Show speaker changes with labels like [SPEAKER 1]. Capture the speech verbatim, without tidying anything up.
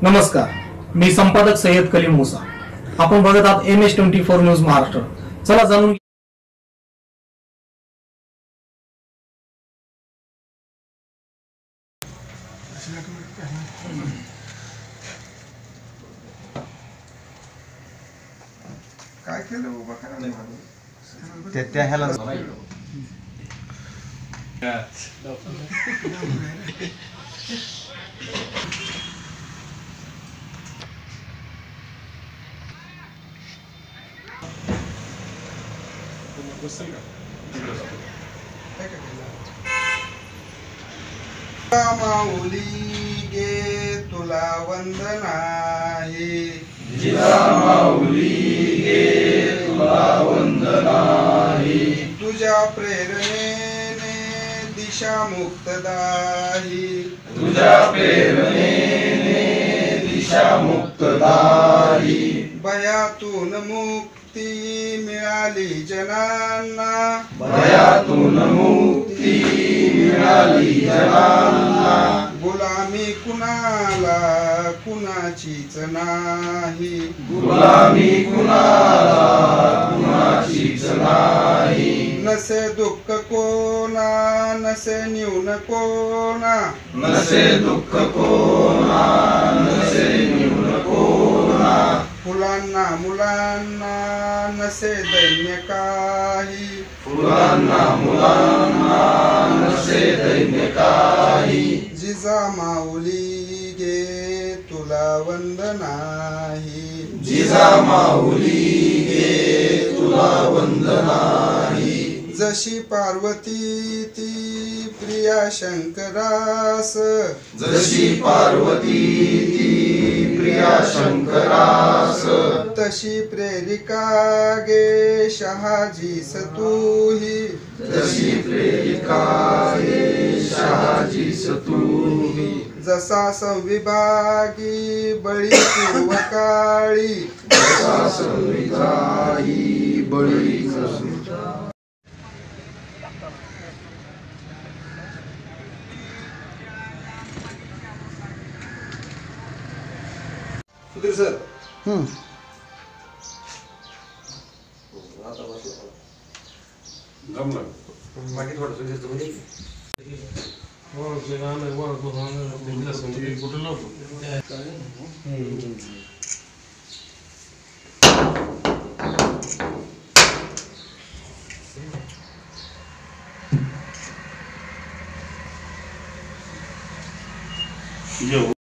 [SPEAKER 1] नमस्कार, मी संपादक सय्यद कलीम मुसा. आपण बघत आहात M S twenty four news Maharashtra. चला जाणून
[SPEAKER 2] काय केलं उभा करा
[SPEAKER 3] ते त्या ह्याला
[SPEAKER 2] माऊली गे तुला वंदन आहे,
[SPEAKER 4] जिजा माऊली गे तुला वंदन आहे.
[SPEAKER 2] तुझ्या प्रेरणेने दिशा मुक्तदाही,
[SPEAKER 4] तुझ्या प्रेरणेने दिशा मुक्तदाही.
[SPEAKER 2] भयातून मुक्ती मिळाली जनांना,
[SPEAKER 4] भयातून मुक्ती मिळाली जनांना.
[SPEAKER 2] गुलामी कुणाला कुणाचीच नाही,
[SPEAKER 4] गुलामी कुणाला कुणाचीच नाही.
[SPEAKER 2] नसे दुःख कोणा नसे न्यून कोणा,
[SPEAKER 4] नसे दुःख कोणा नसे न्यून कोणा.
[SPEAKER 2] फुलांना मुलांना नसे दैन्य काही,
[SPEAKER 4] फुलांना मुलांना नसे दैन्य काही.
[SPEAKER 2] जिजा माऊली गे तुला वंदन आहे,
[SPEAKER 4] जिजा माऊली गे तुला वंदन आहे.
[SPEAKER 2] जशी पार्वती ती प्रिया शंकरास,
[SPEAKER 4] जशी पार्वती ती प्रिया शंकरास.
[SPEAKER 2] तशी प्रेरिका गे शहाजीस तूही,
[SPEAKER 4] तशी प्रेरिका गे शहाजीस तूही.
[SPEAKER 2] जसा संविभागी बळी पूर्वकाळी,
[SPEAKER 4] जसा संविधाई बळी
[SPEAKER 2] सुधीर सर.
[SPEAKER 3] बाकी थोडं सुधारतो म्हणजे
[SPEAKER 4] जेव